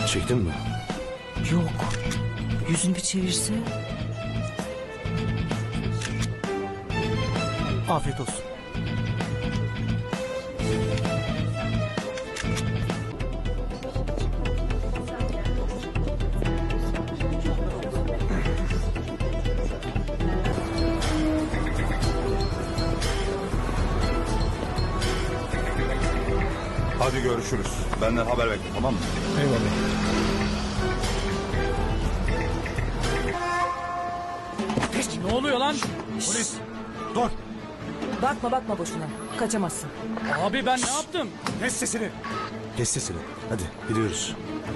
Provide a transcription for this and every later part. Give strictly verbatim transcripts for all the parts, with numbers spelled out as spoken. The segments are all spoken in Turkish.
Çektin mi? Yok. Yüzünü bir çevirse. Afiyet olsun. Hadi görüşürüz. Benden haber bekle, tamam mı? Eyvallah. Ne oluyor lan? Polis. Dur. Bakma bakma boşuna. Kaçamazsın. Abi ben ne yaptım? Kes sesini. Kes sesini. Hadi gidiyoruz.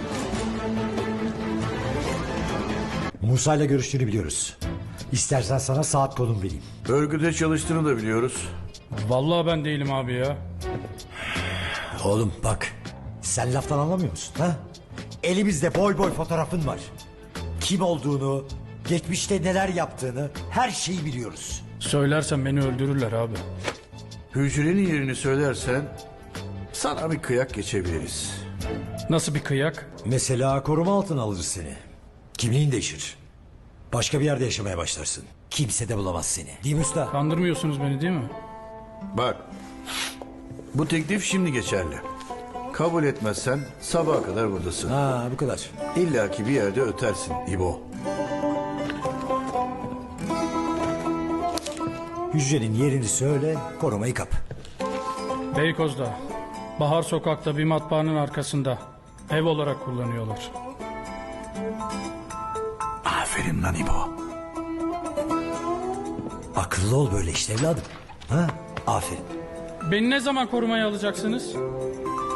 Musa'yla görüştüğünü biliyoruz. İstersen sana saat konum vereyim. Örgüde çalıştığını da biliyoruz. Vallahi ben değilim abi ya. Oğlum bak. Sen laftan anlamıyor musun ha? Elimizde boy boy fotoğrafın var. Kim olduğunu, geçmişte neler yaptığını her şeyi biliyoruz. Söylersen beni öldürürler abi. Hücrenin yerini söylersen sana bir kıyak geçebiliriz. Nasıl bir kıyak? Mesela koruma altına alırız seni. Kimliğin değişir. Başka bir yerde yaşamaya başlarsın. Kimse de bulamaz seni. Değil mi usta? Kandırmıyorsunuz beni değil mi? Bak, bu teklif şimdi geçerli. Kabul etmezsen sabaha kadar buradasın. Ha bu kadar. İlla ki bir yerde ötersin İbo. Hücrenin yerini söyle, korumayı kap. Beykoz'da. Bahar Sokak'ta bir matbaanın arkasında. Ev olarak kullanıyorlar. Aferin lan İbo. Akıllı ol böyle işte evladım. Ha? Aferin. Beni ne zaman korumaya alacaksınız?